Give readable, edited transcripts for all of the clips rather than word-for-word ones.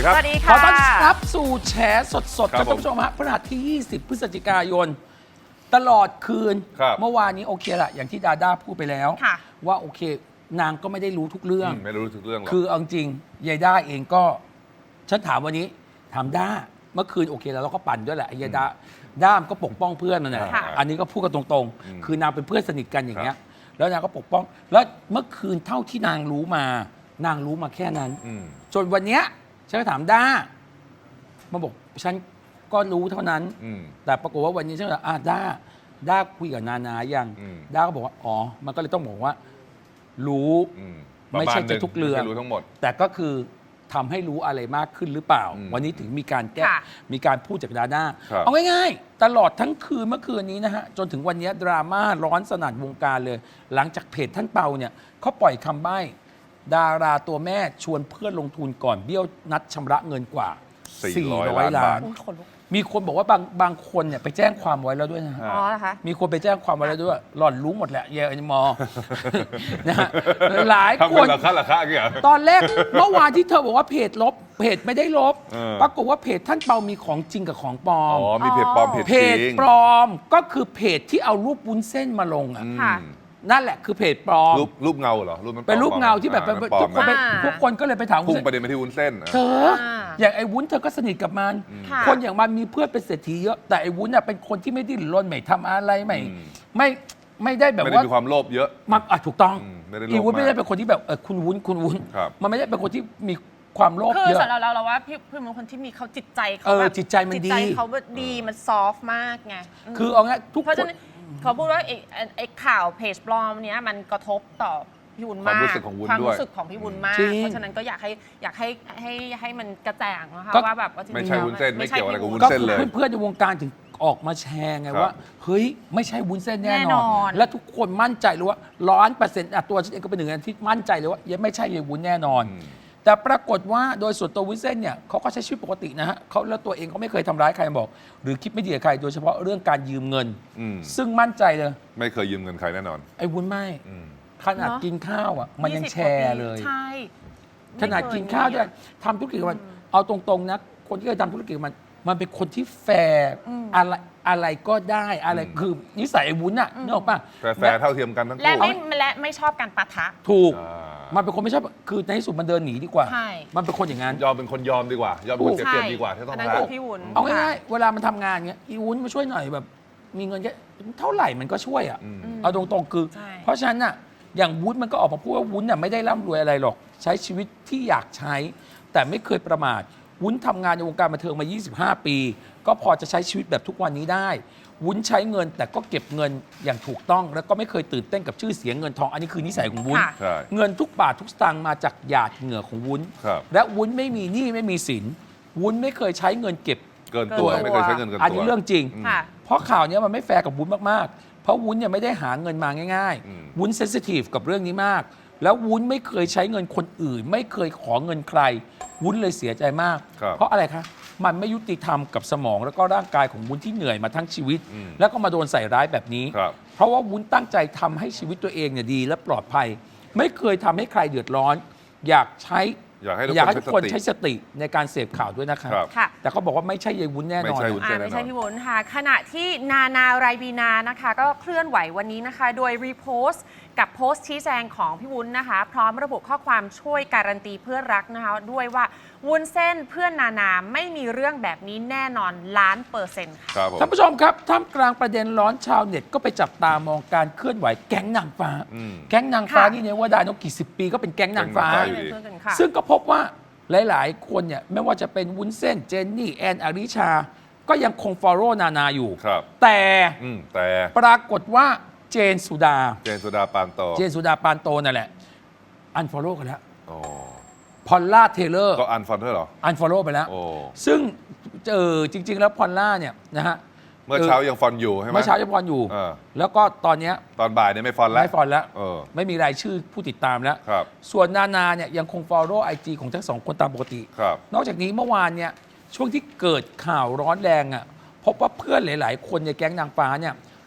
ดีครับสวัสดีขอค่ะต้อนรับสู่แฉสดๆคครัรับบท่านผู้ชมฮะพฤหัสที่ 20 พฤศจิกายน ตลอดคืนครับเมื่อวานนี้โอเคละอย่างที่ดาด้าพูดไปแล้วค่ะว่าโอเคนางก็ไม่ได้รู้ทุกเรื่องไม่รู้ทุกเรื่องหรอกคือเอาจริงยายด้าเองก็ ฉันถามวันนี้ ถามด้าเมื่อคืนโอเคแล้วเราก็ปั่นด้วยแหละไอ้ยายด้ามนก็ปกป้องเพื่อนนั่นแหละค่ะอันนี้ก็พูดกันตรงๆ คือนางเป็นเพื่อนสนิทกันอย่างเงี้ย แล้วนางก็ปกป้อง แล้วเมื่อคืนเท่าที่นางรู้มา นางรู้มาแค่นั้นอืมจนวันเนี้ยฉันก็ถามด้ามาบอกฉันก็รู้เท่านั้นอืมแต่ปรากฏว่าวันนี้ฉันก็ด้าคุยกับนานายังอืมด้าก็บอกว่าอ๋อมันก็เลยต้องบอกว่า รู้อืมไม่ใช่จะทุกเรื่องไม่รู้ทั้งหมดแต่ก็คือทำให้รู้อะไรมากขึ้นหรือเปล่าอืมวันนี้ถึงมีการแก้ค่ะมีการพูดจากดาด้าครับเอาง่ายๆ ตลอดทั้งคืนเมื่อคืนนี้นะฮะ จนถึงวันนี้ดราม่าร้อนสนั่นวงการเลย หลังจากเพจท่านเปาเนี่ยเขาปล่อยคำใบ้ ดาราตัวแม่ชวนเพื่อนลงทุนก่อนเบี้ยวนัดชำระเงินกว่า 400 400 ล้านอุ๊ยขนลุกมีคนบอกว่าบางคนเนี่ยไปแจ้งความไว้แล้วด้วยนะฮะอ๋อเหรอคะมีคนไปแจ้งความไว้แล้วด้วยหล่อนรู้หมดแหละเยอนิมอ นะฮะหลายทำคเป็นนราคาอย่างเงี้ยตอนแรก เมื่อวานที่เธอบอกว่าเพจลบ เพจไม่ได้ลบเออปรากฏว่าเพจท่านเปามีของจริงกับของปลออ๋มอ มีเพจปลอมเพจเพจริจงปลอมก็คือเพจที่เอารูปวุ้นเส้นมาลงอ่ะอืมค่ะนั่นแหละคือเพจปลอมรูปเงาเหรอ รูปมันเป็นรูปเงาที่แบบปลอทุกมคนไปอ่าทุกคนก็เลยไปถามวุ้พุ่นงเส้นประเด็นไปที่วุ้นเส้นเธออย่างไอ้วุ้นเธอก็สนิทกับมันค่ะคนอย่างมันมีเพื่อนเป็นเศรษฐีเยอะแต่ไอ้วุ้นน่ะเป็นคนที่ไม่ดิ้นรนไม่ทำอะไรไม่อืมไม่ได้แบบไม่ได้ว่ามีความโลภเยอะมันถูกต้องไม่ได้โลภอีวุ้นมากไม่ได้เป็นคนที่แบบคุณวุ้นครับมันไม่ได้เป็นคนที่มีความโลภคือเยอะสำหรับเราว่าพี่เป็นคนที่มีเขาจิตใจเขาเออแบบจิตใจมันดีจิตใจเขาแบบดีมันซอฟต์มากไงคือเอางี้ทุกเพราะคฉะนนั้นเขาพูดว่าไอ้ข่าวเพจปลอมเนี้ยมันกระทบต่อพี่วุ้นความมากรู้สึกของวุ้นความด้วยรู้สึกของพี่วุ้นมากจริงเพราะฉะนั้นก็อยากให้มันกระจ่างนะคะก็ว่าแบบว่าจริงๆไม่ใช่แล้ววุ้นเส้นไม่เกี่ยวอะไรกับวุ้นก็เส้นเลยเพื่อนๆในวงการถึงออกมาแชร์ไงครับว่า เฮ้ย ไม่ใช่วุ้นเส้นแน่แน่นนออน นและทุกคนมั่นใจเลยว่า100%ตัวฉันเองก็เป็นหนึ่งในที่มั่นใจเลยว่ายังไม่ใช่ยายวุ้นแน่นอน แต่ปรากฏว่าโดยส่วนตัววุ้นเส้นเนี่ยเขาก็ใช้ชีวิตปกตินะฮะเขาแล้วตัวเองเขาไม่เคยทำร้ายใครบอก หรือคิดไม่ดีกับใครโดยเฉพาะเรื่องการยืมเงินอืมซึ่งมั่นใจเลยไม่เคยยืมเงินใครแน่นอนไอ้วุ้นไม่อืมขนาดกินข้าวอ่ะมันยัง 20 แชร์เลยใช่ขนาดกินข้าวด้วยทำธุรกิจกับมันเอาตรงๆนะคนที่เคยทำธุรกิจกับมันเป็นคนที่แฟร์อะไรก็ได้อะไรคือนิสัยไอ้วุ้นอะนึกออกป่ะแฟร์เท่าเทียมกันทั้งและคู่ไม่ชอบการปะทะถูกอ่ามันเป็นคนไม่ชอบคือในที่สุดมันเดินหนีดีกว่าใช่มันเป็นคนอย่างนั้นยอมเป็นคนยอมดีกว่า ยอมเป็นคนเสียเปรียบดีกว่าที่ต้องนนั้นรัคืกอพี่วุ้นเอาง่ายๆเวลามันทำงานเงี้ยอีวุ้นมาช่วยหน่อยแบบ มีเงินแค่เท่าไหร่มันก็ช่วยอ่ะ เอาตรงๆคือใช่เพราะฉะนั้นน่ะอย่างวุ้นมันก็ออกมาพูดว่าวุ้นน่ะไม่ได้ร่ำรวยอะไรหรอก ใช้ชีวิตที่อยากใช้ แต่ไม่เคยประมาทวุ้นทำงานในวงการบันเทิงมา 25 ปี ก็พอจะใช้ชีวิตแบบทุกวันนี้ได้ วุ้นใช้เงินแต่ก็เก็บเงินอย่างถูกต้อง แล้วก็ไม่เคยตื่นเต้นกับชื่อเสียงเงินทองอันนี้คือนิสัยของวุ้นค่ะใช่เงินทุกบาททุกสตางค์มาจากหยาดเหงื่อของวุ้นครับและวุ้นไม่มีหนี้ไม่มีสินวุ้นไม่เคยใช้เงินเก็บเกินตัวเกินตัวไม่เคยใช้เงินเกินตัวอันนี้เรื่องจริงค่ะเพราะข่าวเนี้ยมันไม่แฟร์กับวุ้นมากๆ เพราะวุ้นเนี่ยไม่ได้หาเงินมาง่ายอืมๆ วุ้นเซนซิทีฟกับเรื่องนี้มาก แล้ววุ้นไม่เคยใช้เงินคนอื่น ไม่เคยขอเงินใคร วุ้นเลยเสียใจมากครับเพราะอะไรคะ มันไม่ยุติธรรมกับสมองแล้วก็ร่างกายของวุ้นที่เหนื่อยมาทั้งชีวิตอืมแล้วก็มาโดนใส่ร้ายแบบนี้ครับเพราะว่าวุ้นตั้งใจทำให้ชีวิตตัวเองเนี่ยดีและปลอดภัย ไม่เคยทำให้ใครเดือดร้อน อยากใช้อยากให้ทุกอยากให้คทุนกคนใช้ใช้สสติติในการเสพข่าวด้วยนะครับครับค่ะแต่เขาบอกว่าไม่ใช่ยายวุ้นแน่นอนไม่ใช่วุ้นไม่ใช่พี่วุ้นค่ะ ขณะที่นานาไรบีนานะคะ ก็เคลื่อนไหววันนี้นะคะ โดยรีโพสต์กับโพสต์ชี้แจงของพี่วุ้นนะคะ พร้อมระบุข้อความช่วยการันตีเพื่อนรักนะคะ ด้วยว่าวุ้นเส้นเพื่อนนานาไม่มีเรื่องแบบนี้แน่นอน1,000,000%ค่ะครับผมท่านผู้ชมครับท่ามกลางประเด็นร้อนชาวเน็ตก็ไปจับตามองการเคลื่อนไหวแก๊งนางฟ้าอืมแก๊งนางฟ้าค่ะนี่เนี่ยว่าได้นกกี่สิบปีก็เป็นแก๊งนางฟ้าแก๊งนางฟ้าอยู่เป็นเพื่อนกันค่ะซึ่งก็พบว่าหลาย ๆ คนเนี่ยไม่ว่าจะเป็นวุ้นเส้นเจนนี่แอนอริชา ก็ยังคงฟอลโล่นานาอยู่ครับแต่แต่ปรากฏว่าเจนสุดาเจนสุดาปานโตเจนสุดาปานโตนั่นแหละอันฟอลโล่กันแล้วโอ้พอลล่าเทเลอร์ก็อันฟอนเทอร์เหรออันฟอลโล่ไปแล้วโอ้ซึ่งจริง ๆ แล้วพอลล่าเนี่ยนะฮะเมื่อเช้ายังฟอนอยู่ใช่ไหมเมื่อเช้ายังฟอนอยู่เออแล้วก็ตอนเนี้ยตอนบ่ายเนี่ยไม่ฟอนแล้วไม่ฟอนแล้วเออไม่มีรายชื่อผู้ติดตามแล้วครับส่วนนานาเนี่ยยังคง follow IG ของทั้งสองคนตามปกติครับนอกจากนี้เมื่อวานเนี่ยช่วงที่เกิดข่าวร้อนแรงอ่ะพบว่าเพื่อนหลาย ๆ คนในแก๊งนางฟ้าเนี่ย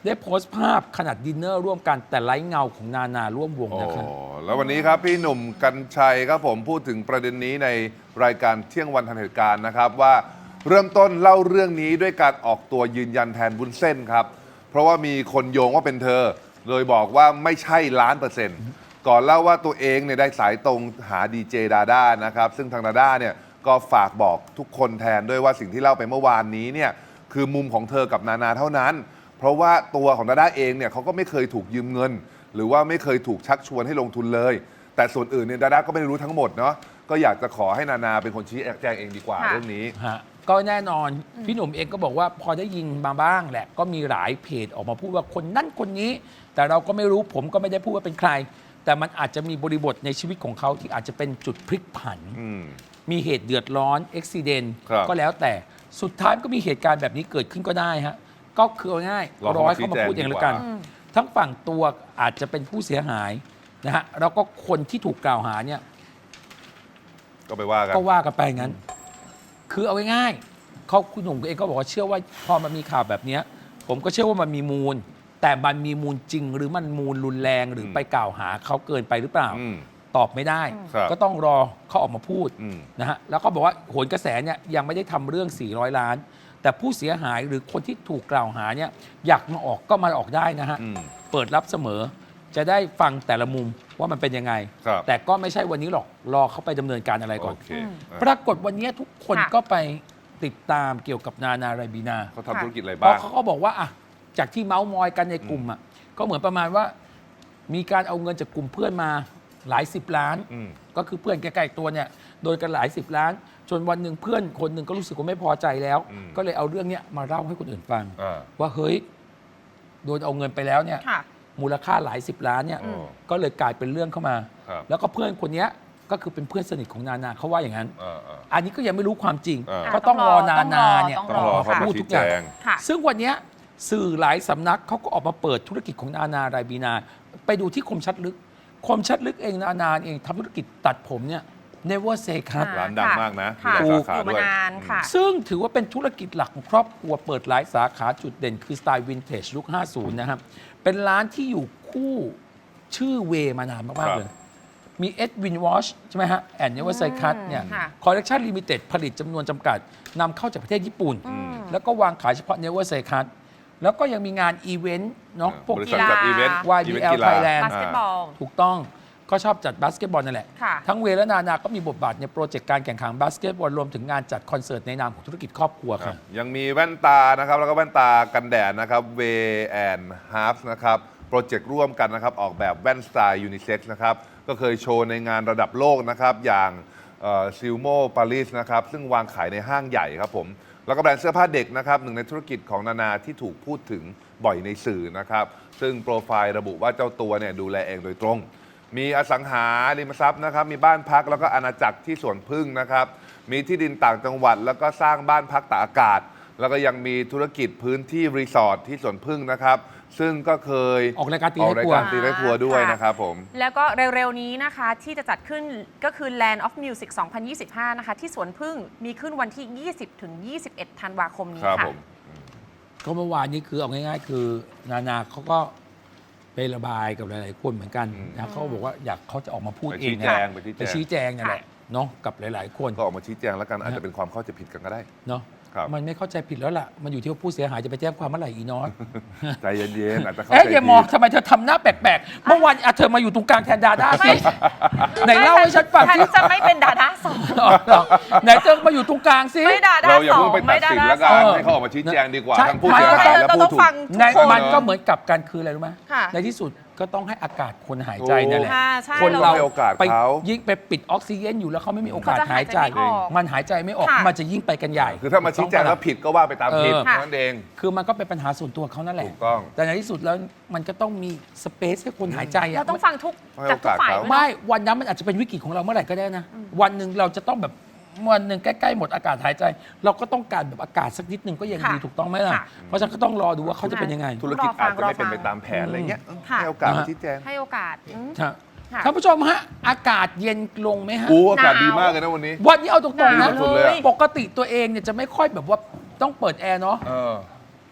ได้โพสต์ภาพขนาดดินเนอร์ร่วมกันแต่ไร้เงาของนานาร่วมวงโอ้นะครับแล้ววันนี้ครับพี่หนุ่มกัญชัยครับผมพูดถึงประเด็นนี้ในรายการเที่ยงวันทันเหตุการณ์นะครับว่าเริ่มต้นเล่าเรื่องนี้ด้วยการออกตัวยืนยันแทนวุ้นเส้นครับเพราะว่ามีคนโยงว่าเป็นเธอเลยบอกว่าไม่ใช่1,000,000%ก่อนเล่าว่าตัวเองเนี่ยได้สายตรงหาดีเจดาด้านะครับซึ่งทางดาด้าเนี่ยก็ฝากบอกทุกคนแทนด้วยว่าสิ่งที่เล่าไปเมื่อวานนี้เนี่ยคือมุมของเธอกับนานาเท่านั้น เพราะว่าตัวของดาด้าเองเนี่ยเขาก็ไม่เคยถูกยืมเงิน หรือว่าไม่เคยถูกชักชวนให้ลงทุนเลย แต่ส่วนอื่นเนี่ยดาด้าก็ไม่ได้รู้ทั้งหมดเนาะก็อยากจะขอให้นานาเป็นคนชี้แจงเองดีกว่าค่ะเรื่องนี้ฮะก็แน่นอนพี่หนุ่มเองก็บอกว่าพอได้ยินมาบ้างแหละ ก็มีหลายเพจออกมาพูดว่าคนนั่นคนนี้ แต่เราก็ไม่รู้ผมก็ไม่ได้พูดว่าเป็นใคร แต่มันอาจจะมีบริบทในชีวิตของเขาที่อาจจะเป็นจุดพลิกผันอืมมีเหตุเดือดร้อนอุบิเหตุครับก็แล้วแต่สุดท้ายก็มีเหตุการณ์แบบนี้เกิดขึ้นก็ได้ฮะก็คือเอาง่ายรอเขาร้อยมาชี้เขามาแจงพูดเองดีแล้วกว่ากัน ทั้งฝั่งตัวอาจจะเป็นผู้เสียหายนะฮะแล้วก็คนที่ถูกกล่าวหาเนี่ยก็ไปว่ากันก็ว่ากันไปงั้น คือเอาง่ายๆเขาคุณหนุ่มเองก็บอกว่าเชื่อว่าพอมันมีข่าวแบบเนี้ยผมก็เชื่อว่ามันมีมูล แต่มันมีมูลจริง หรือมันมูลรุนแรงหรือไปกล่าวหาเขาเกินไปหรือเปล่าอืมตอบไม่ได้ครับก็ต้องรอเขาออกมาพูดอืมนะฮะแล้วก็บอกว่าโหนกระแสเนี่ยยังไม่ได้ทำเรื่อง400 ล้าน แต่ผู้เสียหายหรือคนที่ถูกกล่าวหาเนี่ยอยากมาออกก็มาออกได้นะฮะอืมเปิดรับเสมอ จะได้ฟังแต่ละมุมว่ามันเป็นยังไงครับแต่ก็ไม่ใช่วันนี้หรอกรอเขาไปดำเนินการอะไรก่อนโอเคปรากฏวันนี้ทุกคนค่ะก็ไปติดตามเกี่ยวกับนานาไรบีนาเขาทำธุรกิจอะไรเพบ้างราะเขาก็บอกว่าอ่ะจากที่เมาส์มอยกันในกลุ่มอ่ะก็เหมือนประมาณว่า มีการเอาเงินจากกลุ่มเพื่อนมาหลายสิบล้านอืมก็คือเพื่อนใกล้ๆตัวเนี่ยโดนกันหลายสิบล้าน จนวันหนึ่งเพื่อนคนหนึ่งก็รู้สึกว่าไม่พอใจแล้วอืมก็เลยเอาเรื่องเนี้ยมาเล่าให้คนอื่นฟังอ่าว่าเฮ้ยโดนเอาเงินไปแล้วเนี่ยค่ะมูลค่าหลายสิบล้านเนี่ยอืมก็เลยกลายเป็นเรื่องเข้ามาครับแล้วก็เพื่อนคนเนี้ยก็คือเป็นเพื่อนสนิทของนานาเขาว่าอย่างนั้นอ่าอ่าอันนี้ก็ยังไม่รู้ความจริงอ่าก็ต้องรอนานาเนี่ยต้องรอเขามาพูดชี้ทุกอแจย่างงค่ะซึ่งวันเนี้ยสื่อหลายสำนักเขาก็ออกมาเปิดธุรกิจของนานาไรบีนา ไปดูที่คมชัดลึก คมชัดลึกเองนานาเองทำธุรกิจตัดผมเนี่ย never say cut ร้านดังมากนะค่ะมีหลายสาขาอยู่ด้มาวยนานค่ะซึ่งถือว่าเป็นธุรกิจหลักของครอบครัวเปิดหลายสาขาจุดเด่นคือสไตล์วินเทจยุค 50 นะครับ เป็นร้านที่อยู่คู่ชื่อเวมานานคมารักบๆเลย มีเอ็ดวินวอชใช่ไหมฮะแอนเนเวอร์ไซคัตเนี่ยค่ะคอลเลกชันลิมิเต็ดผลิตจำนวนจำกัดนำเข้าจากประเทศญี่ปุ่น แล้วก็วางขายเฉพาะเนเวอร์ไซคัตแล้วก็ยังมีงานอีเวนต์เนาะพวกบริษัทจัดอีเวนต์ YBL อีเวนต์กีฬา Thailand บาสเกตบอลถูกต้องก็ชอบจัดบาสเกตบอลนั่นแหละค่ะทั้งเวและนานาก็มีบทบาทในโปรเจกต์การแข่งขันบาสเกตบอลรวมถึงงานจัดคอนเสิร์ตในนามของธุรกิจครอบครัวครัค่ะบยังมีแว่นตานะครับแล้วก็แว่นตากันแดดนะครับ Way and Half นะครับโปรเจกต์ร่วมกันนะครับออกแบบแว่นสไตล์ยูนิเซ็กซ์นะครับก็เคยโชว์ในงานระดับโลกนะครับอย่างซิลโมปารีสนะครับซึ่งวางขายในห้างใหญ่ครับผมแล้วก็แบรนด์เสื้อผ้าเด็กนะครับหนึ่งในธุรกิจของนานาที่ถูกพูดถึงบ่อยในสื่อนะครับซึ่งโปรไฟล์ระบุว่าเจ้าตัวเนี่ยดูแลเองโดยตรง มีอสังหาริมทรัพย์นะครับมีบ้านพักแล้วก็อาณาจักรที่สวนพึ่งนะครับมีที่ดินต่างจังหวัด แล้วก็สร้างบ้านพักตากอากาศ แล้วก็ยังมีธุรกิจพื้นที่รีสอร์ทที่สวนพึ่งนะครับซึ่งก็เคยออกรายการตีออกให้รายครัวการตีให้ครัวด้วยค่ะนะครับผมแล้วก็เร็วๆนี้นะคะที่จะจัดขึ้นก็คือ Land of Music 2025 นะคะ ที่สวนพึ่งมีขึ้นวันที่ 20 ถึง 21 ธันวาคมนี้ครับค่ะผมก็เมื่อวานนี้คือเอาง่ายๆ คือนานาเขาก็ไประบายกับหลายๆคนเหมือนกันนะเขาบอกว่าอยากเขาจะออกมาพูดไปเอชี้งแจงอะไปชี้แจไปงชี้แจงนั่นแหละเนาะกับหลายๆ คนก็ออกมาชี้แจงแล้วกันอาจจะเป็นความเข้าใจผิดกันก็ได้เนาะครับมันไม่เข้าใจผิดแล้วล่ะ มันอยู่ที่ว่าผู้เสียหายจะไปแจ้งความเมื่อไหร่อีนอสใจเย็นๆอาจจะเข้าเอ๊ะใจอย่ามองทำไมเธอทำหน้าแปลกๆ เมื่อวานเธอมาอยู่ตรงกลางแทนดาด้าสิไหนเล่าให้ฉันฟังฉันสิจะไม่เป็นดาด้าสองไหนเธอมาอยู่ตรงกลางสิไม่ดาด้าเราอย่าสอเพิ่งงไปตัดสินแล้วกันไม่ได้ให้เขาออกมาชี้แจงดีกว่าใช่ทั้งผู้เสียหายและเราผู้ต้องถูกฟังในทุกคนมันก็เหมือนกับกันคืออะไรรู้ไหมค่ะในที่สุดก็ต้องให้อากาศคนหายใจนั่นแหละค่ะใช่คนเราให้โอกาสไปเขายิ่งไปปิดออกซิเจนอยู่แล้วเขาไม่มีโอกาสเขาจะหายใจหายใจไม่ออกมันหายใจไม่ออกค่ะมันจะยิ่งไปกันใหญ่คือถ้ามาชี้แจงแล้วผิดก็ว่าไปตามผิดเออเท่านั้นเองคือมันก็เป็นปัญหาส่วนตัวเขานั่นแหละถูกต้องแต่ในที่สุดแล้วมันก็ต้องมีสเปซให้คนหายใจอะเราต้องฟังทุกให้จากทุกฝ่ายโอกาสเขาด้วยไม่วันนั้นมันอาจจะเป็นวิกฤตของเราเมื่อไหร่ก็ได้นะ วันหนึ่งเราจะต้องแบบวันหนึ่งใกล้ๆหมดอากาศหายใจ เราก็ต้องการแบบอากาศสักนิดหนึ่งก็ยังดีถูกต้องไหมล่ะ เพราะฉะนั้นก็ต้องรอดูว่าเขาจะเป็นยังไงธุรกิจอาจจะไม่เป็นไปตามแผนอะไรเงี้ยค่ะให้โอกาสมาชี้แจงให้โอกาสครับค่ะท่านผู้ชมฮะอากาศเย็นลงไหมฮะอู้อากาศดีมากเลยนะวันนี้วันนี้เอาตรงๆหนานะวเลยปกติตัวเองเนี่ยจะไม่ค่อยแบบว่าต้องเปิดแอร์เนาะเออ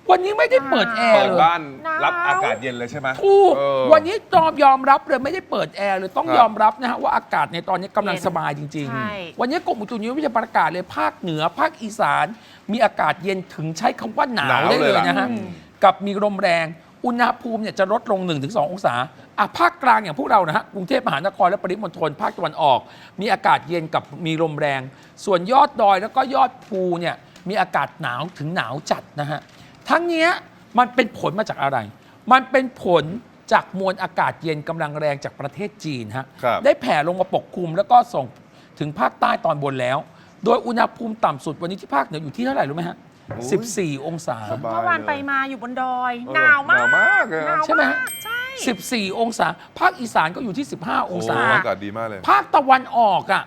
วันนี้ไม่ได้เปิดแอร์เปิดเลยบ้านหนาวรับอากาศเย็นเลยใช่ไหมถูกเออวันนี้ยอมรับเลยไม่ได้เปิดแอร์เลยต้องครับยอมรับนะฮะว่าอากาศในตอนนี้กำลังเย็นสบายจริงใช่ๆ วันนี้กรมอุตุนิยมวิทยาประกาศเลยภาคเหนือภาคอีสาน มีอากาศเย็นถึงใช้คำว่าหนาวได้เลยนะฮะ กับมีลมแรงอุณหภูมิเนี่ยจะลดลง 1-2 องศาภาคกลางอย่างพวกเรานะฮะกรุงเทพมหานครและปริมณฑลภาคตะวันออก มีอากาศเย็นกับมีลมแรง ส่วนยอดดอยแล้วก็ยอดภูเนี่ยมีอากาศหนาวถึงหนาวจัดนะฮะทั้งเนี้ยมันเป็นผลมาจากอะไร มันเป็นผลจากมวลอากาศเย็นกำลังแรงจากประเทศจีนฮะครับได้แผ่ลงมาปกคลุมแล้วก็ส่งถึงภาคใต้ตอนบนแล้ว โดยอุณหภูมิต่ำสุดวันนี้ที่ภาคเหนืออยู่ที่เท่าไหร่รู้ไหมฮะโอ้ย 14 องศาสบายเมื่อวานเลยไปมาอยู่บนดอยเออหนาวมากหนาวมากเลยหนาวใช่ไหมมากใช่ 14 องศา ภาคอีสานก็อยู่ที่ 15 องศาโอากาศดีมากเลยภาคตะวันออกอ่ะ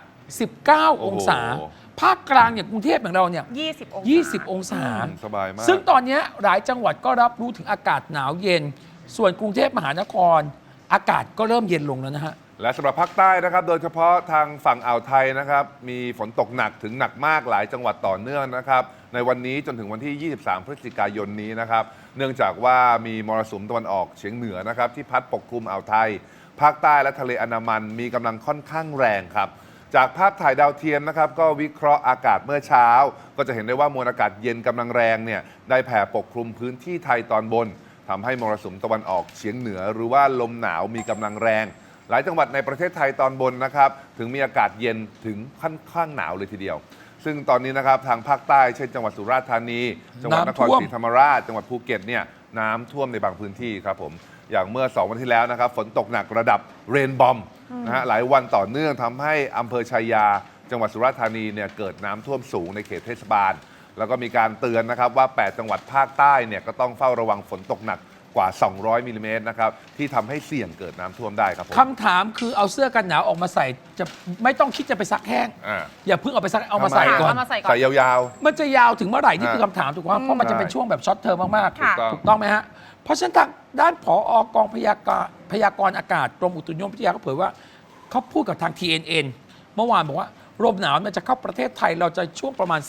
19 องศาโอ้โหภาคกลางอย่างกรุงเทพอย่างเราเนี่ย 20 องศา 20 องศาสบายมากซึ่งตอนเนี้ยหลายจังหวัดก็รับรู้ถึงอากาศหนาวเย็น ส่วนกรุงเทพมหานคร อากาศก็เริ่มเย็นลงแล้วนะฮะและสำหรับภาคใต้นะครับ โดยเฉพาะทางฝั่งอ่าวไทยนะครับ มีฝนตกหนักถึงหนักมากหลายจังหวัดต่อเนื่องนะครับ ในวันนี้จนถึงวันที่ 23 พฤศจิกายนนี้นะครับ เนื่องจากว่ามีมรสุมตะวันออกเฉียงเหนือนะครับ ที่พัดปกคลุมอ่าวไทย ภาคใต้และทะเลอันดามันมีกำลังค่อนข้างแรงครับ จากภาพถ่ายดาวเทียมนะครับ ก็วิเคราะห์อากาศเมื่อเช้า ก็จะเห็นได้ว่ามวลอากาศเย็นกำลังแรงเนี่ยได้แผ่ปกคลุมพื้นที่ไทยตอนบนทำให้มรสุมตะวันออกเฉียงเหนือ หรือว่าลมหนาวมีกำลังแรง หลายจังหวัดในประเทศไทยตอนบนนะครับ ถึงมีอากาศเย็นถึงค่อนข้างหนาวเลยทีเดียว ซึ่งตอนนี้นะครับทางภาคใต้เช่นจังหวัดสุราษฎร์ธานี จังหวัดนครน้ำท่วมศรีธรรมราช จังหวัดภูเก็ตเนี่ยน้ำท่วมในบางพื้นที่ครับผมอย่างเมื่อ 2 วันที่แล้วนะครับฝนตกหนักระดับเรนบอมนะฮะหลายวันต่อเนื่องทำให้อำเภอชัยยา จังหวัดสุราษฎร์ธานีเนี่ยเกิดน้ำท่วมสูงในเขตเทศบาล แล้วก็มีการเตือนนะครับว่า 8 จังหวัดภาคใต้เนี่ยก็ต้องเฝ้าระวังฝนตกหนักกว่า 200 มิลลิเมตรนะครับที่ทำให้เสี่ยงเกิดน้ำท่วมได้ครับผมคำถามคือเอาเสื้อกันหนาวออกมาใส่จะไม่ต้องคิดจะไปซักแห้งอ่าอย่าเพิ่งเอาไปซักเอามาใส่ก่อนเอามาใส่ก่อนใส่ยาวมันจะยาวถึงเมื่อไหร่นี่คือฮะคำถามถูกไหมเพราะมันจะเป็นช่วงแบบช็อตเทอมมากค่ะถูกต้องถูกต้องไหมฮะ เพราะฉะนั้นทางด้านผอกองพยากรณ์อากาศกรมอุตุนิยมวิทยาเขาเผยว่าเขาพูดกับทาง TNN เมื่อวานบอกว่าลมหนาวมันจะเข้าประเทศไทยเราจะช่วงประมาณ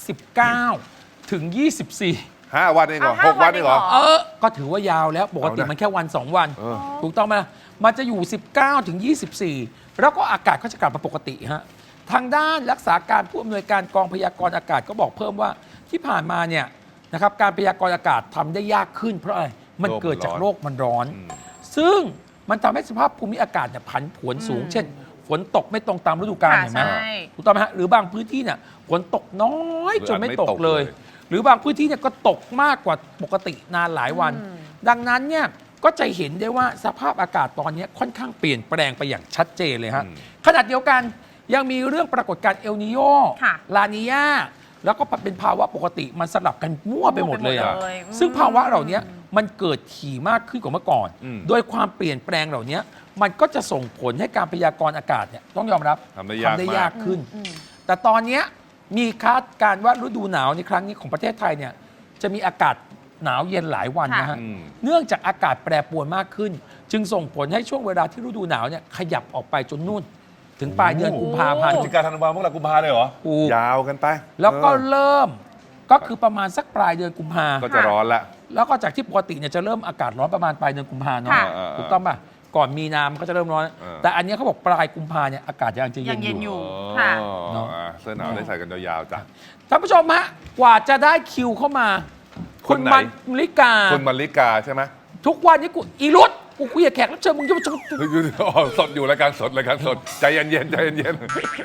19 ถึง 24 5 วันเองเหรอเอา 6 วันเองเหรอ 5 ก็ถือว่ายาวแล้วปกติเอานะมันแค่วัน 2 วันเออถูกต้องไหมล่ะมันจะอยู่ 19 ถึง 24 แล้วก็อากาศก็จะกลับมาปกติฮะทางด้านรักษาการผู้อำนวยการกองพยากรณ์อากาศก็บอกเพิ่มว่าที่ผ่านมาเนี่ยนะครับการพยากรณ์อากาศทำได้ยากขึ้นเพราะอะไรมันเกิดจากโลกมันร้อน ซึ่งมันทำให้สภาพภูมิอากาศเนี่ยผันผวนสูง เช่น ฝนตกไม่ตรงตามฤดูกาลค่ะเห็นไหมใช่ถูกต้องไหมฮะหรือบางพื้นที่เนี่ยฝนตกน้อยจนไม่ตกเลยหรืออาจไม่ตกเลยหรือบางพื้นที่เนี่ยก็ตกมากกว่าปกตินานหลายวัน ดังนั้นเนี่ยก็จะเห็นได้ว่าสภาพอากาศตอนนี้ค่อนข้างเปลี่ยนแปลงไปอย่างชัดเจนเลยฮะขณะเดียวกันยังมีเรื่องปรากฏการณ์เอลนิโยค่ะลานียาแล้วก็เป็นภาวะปกติมันสลับกันมั่วไปหมดเลยอะมั่วไปหมดเลยซึ่งภาวะเหล่านี้มันเกิดถี่มากขึ้นกว่าเมื่อก่อน โดยความเปลี่ยนแปลงเหล่านี้มันก็จะส่งผลให้การพยากรณ์อากาศเนี่ยต้องยอมรับทำได้ยากมากยากขึ้น แต่ตอนเนี้ยมีคาดการณ์ว่าฤดูหนาวในครั้งนี้ของประเทศไทยเนี่ยจะมีอากาศหนาวเย็นหลายวันนะฮะอืมเนื่องจากอากาศแปรปรวนมากขึ้น จึงส่งผลให้ช่วงเวลาที่ฤดูหนาวเนี่ยขยับออกไปจนนู่น ถึงปลายเดือนกุมภาพันพฤธ์ศจิกาธันวาพวกเรากุมภาเลยเหรอถูกยาวกันไปแล้วก็เออเริ่มก็คือประมาณสักปลายเดือนกุมภาก็จะร้อนละแล้วก็จากที่ปกติเนี่ยจะเริ่มอากาศร้อนประมาณปลายเดือนกุมภาเนาะค่ะถูกต้องป่ะก่อนมีนามันก็จะเริ่มร้อนเออแต่อันเนี้ยเขาบอกปลายกุมภาเนี่ยอากาศยังจะเย็ยังนเย็นออยู่ ยู่ค่ะเนอะเสื้อหนาวได้ใส่กันยาวๆจ้ะท่านผู้ชมฮะกว่าจะได้คิวเข้ามาคนไหนมัลิกาคุณมาริกาใช่ไหมทุกวันนี้กูอีรุตกูคุยกับแขกรับเชิญมึงจะเฮ้ยอ๋อสดอยู่รายการสดใจเย็นๆใจเย็น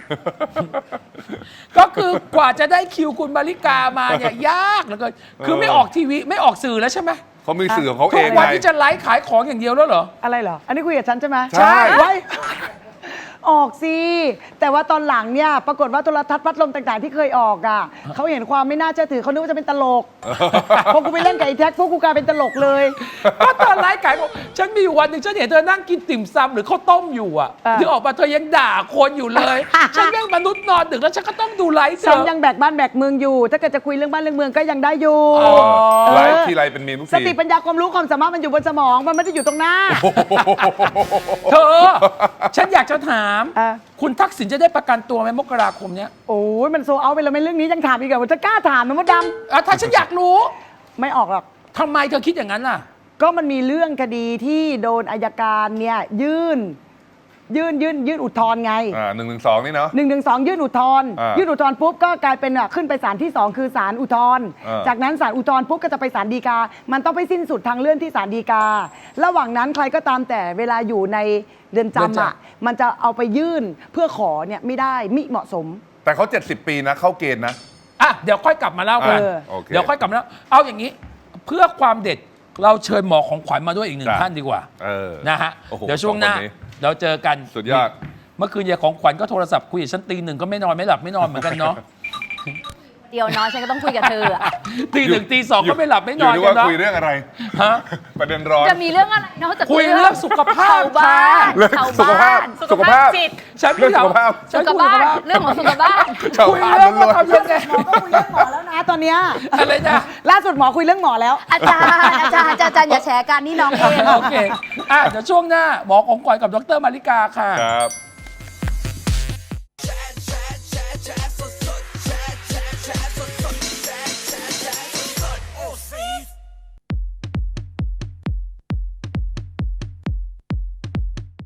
ก็คือกว่าจะได้คิวคุณมาริกามาเนี่ยยากเหลือเกินคือไม่ออกทีวีไม่ออกสื่อแล้วใช่ไหมๆเขามีสื่อของเขาทุเอก งวันไงนี้จะไลฟ์ขายของอย่างเดียวแล้วเหรออะไรเหรอ อันนี้คุยกับฉันใช่ไหมใช่ไว้ ออกสิ แต่ว่าตอนหลังเนี่ย ปรากฏว่าโทรทัศน์พัดลมต่างๆ ที่เคยออกอ่ะ เขาเห็นความไม่น่าเชื่อถือเขานึกว่าจะเป็นตลก พอกูไปเล่นกับไอ้แท็กพวกกูกลายเป็นตลกเลยก็ตอนไลฟ์ขายของฉันมีอยู่วันหนึ่งฉันเห็นเธอนั่งกินติ่มซำหรือข้าวต้มอยู่อ่ะอ่าที่ออกมาเธอยังด่าคนอยู่เลย ฉันยังมนุษย์นอนดึกแล้วฉันก็ต้องดูไลฟ์เธฉันอยังแบกบ้านแบกเมืองอยู่ ถ้าเกิดจะคุยเรื่องบ้านเรื่องเมืองก็ยังได้อยู่อ๋อไลฟ์ทีไรเป็นมีมทุกสทีติปัญญาความรู้ความสามารถมันอยู่บนสมอง มันไม่ได้อยู่ตรงหน้าเธอ ฉันอยากจะถามอ่ะคุณทักษิณจะได้ประกันตัวไหมมกราคมเนี้ยโอ้ยมันโซเอาไปแล้วไม่เรื่องนี้ยังถามอีกเหรอว่าจะกล้าถามไหมมดดอ่ะถ้าฉันอยากรู้ำไม่ออกหรอกททำไมเธอคิดอย่างนั้นล่ะก็มันมีเรื่องคดีที่โดนอัยการเนี่ยยื่นอุทธรณ์ไง 112 นี่เนาะ 112 ยื่นอุทธรณ์ ยื่นอุทธรณ์ปุ๊บก็กลายเป็นขึ้นไปศาลที่ 2 คือศาลอุทธรณ์ จากนั้นศาลอุทธรณ์ปุ๊บก็จะไปศาลฎีกา มันต้องไปสิ้นสุดทางเลื่อนที่ศาลฎีกา ระหว่างนั้นใครก็ตามแต่เวลาอยู่ในเรือนจำอ่ะมันจะเอาไปยื่นเพื่อขอเนี่ยไม่ได้มิเหมาะสมแต่เขา70 ปีนะเข้าเกณฑ์นะอ่ะเดี๋ยวค่อยกลับมาเล่ากันโอเคเดี๋ยวค่อยกลับมาเล่าเอาอย่างนี้ เพื่อความเด็ดเราเชิญหมอของขวัญมาด้วยอีกหนึ่งจ้ะท่านดีกว่า นะฮะโอ้โหเดี๋ยวช่วงหน้าสองคนนี้เราเจอกันสุดยอดเมื่อคืนยายของขวัญก็โทรศัพท์คุยกับฉันตี 1ก็ไม่นอนไม่หลับไม่นอนเหมือนกันเนาะเดียวเนาะฉันก็ต้องคุยกับเธออะตี 1ตี 2ก็ไม่หลับไม่นอนยู่กัว่านเนาะคุยเรื่องอะไรฮะประเด็นร้อนจะมีเรื่องอะไรนอกจากคุยเรื่องสุขภาพชาวบ้านเรื่องชาวสุขภาบ้าพนสุขภาพจิตฉันเรื่องสุขภาพฉันสุขคุยบ้าสุขนภาพเรื่องของสุขบ้านชาวคุยบ้านเรื่องล้ว่าวนทำยังไงหมอก็คุยเรื่องหมอแล้วนะตอนเนี้ยอะไรนะล่าสุดหมอคุยเรื่องหมอแล้วอาจารย์อย่าแชร์กันนี่น้องเองโอเคเดี๋ยวช่วงหน้าหมอของขวัญกับดรมาริกาค่ะๆครับ